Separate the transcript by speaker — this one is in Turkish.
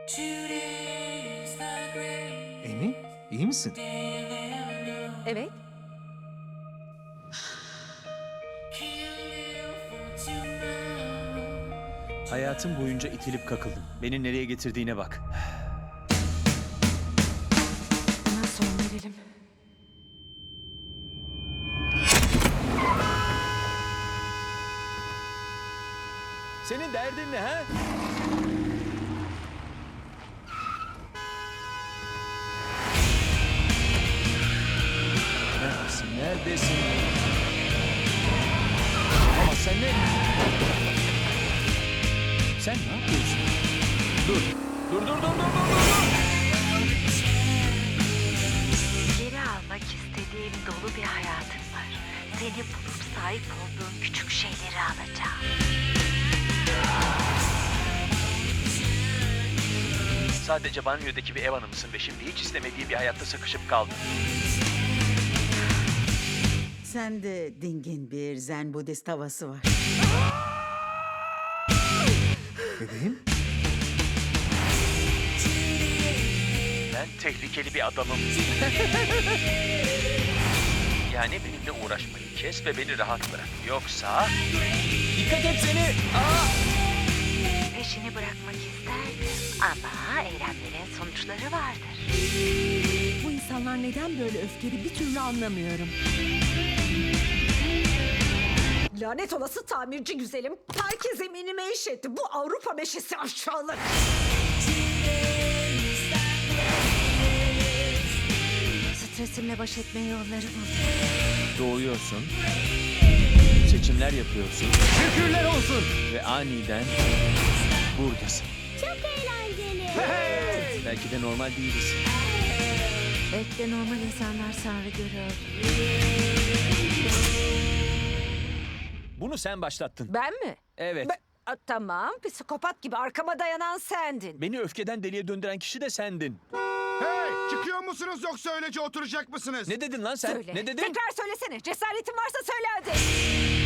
Speaker 1: Amy, iyi misin?
Speaker 2: Evet.
Speaker 3: Hayatım boyunca itilip kakıldım. Beni nereye getirdiğine bak.
Speaker 2: Buna son verelim.
Speaker 3: Senin derdin ne ha? Neredesin? Neredesin? Ama sen ne? Sen ne yapıyorsun? Dur. Dur.
Speaker 4: Geri almak istediğim dolu bir hayatım var. Seni bulup sahip olduğum küçük şeyleri alacağım.
Speaker 3: Sadece banyodaki bir ev hanımısın ve şimdi hiç istemediğin bir hayatta sıkışıp kaldın.
Speaker 5: Sende dingin bir Zen Budist havası var.
Speaker 1: Bebeğim,
Speaker 3: Ben tehlikeli bir adamım. Yani benimle uğraşmayı kes ve beni rahat bırak. Yoksa... Dikkat et seni!
Speaker 4: Peşini bırakmak isterdim ama eylemlerin sonuçları vardır.
Speaker 2: Bu insanlar neden böyle öfkeli bir türlü anlamıyorum.
Speaker 6: Lanet olası tamirci güzelim. Herkes eminime iş etti. Bu Avrupa meşesi aşağılık.
Speaker 2: Stresimle baş etme yolları buldum.
Speaker 3: Doğuyorsun. Seçimler yapıyorsun. Şükürler olsun! Ve aniden buradasın.
Speaker 2: Çok eğlenceli.
Speaker 3: Belki de normal değiliz.
Speaker 2: Belki de normal insanlar Tanrı görüyor.
Speaker 3: Bunu sen başlattın.
Speaker 6: Ben mi?
Speaker 3: Evet.
Speaker 6: Tamam. Psikopat gibi arkama dayanan sendin.
Speaker 3: Beni öfkeden deliye döndüren kişi de sendin.
Speaker 7: Hey! Çıkıyor musunuz yoksa öylece oturacak mısınız?
Speaker 3: Ne dedin lan sen?
Speaker 6: Söyle.
Speaker 3: Ne dedin?
Speaker 6: Tekrar söylesene. Cesaretin varsa söyle hadi.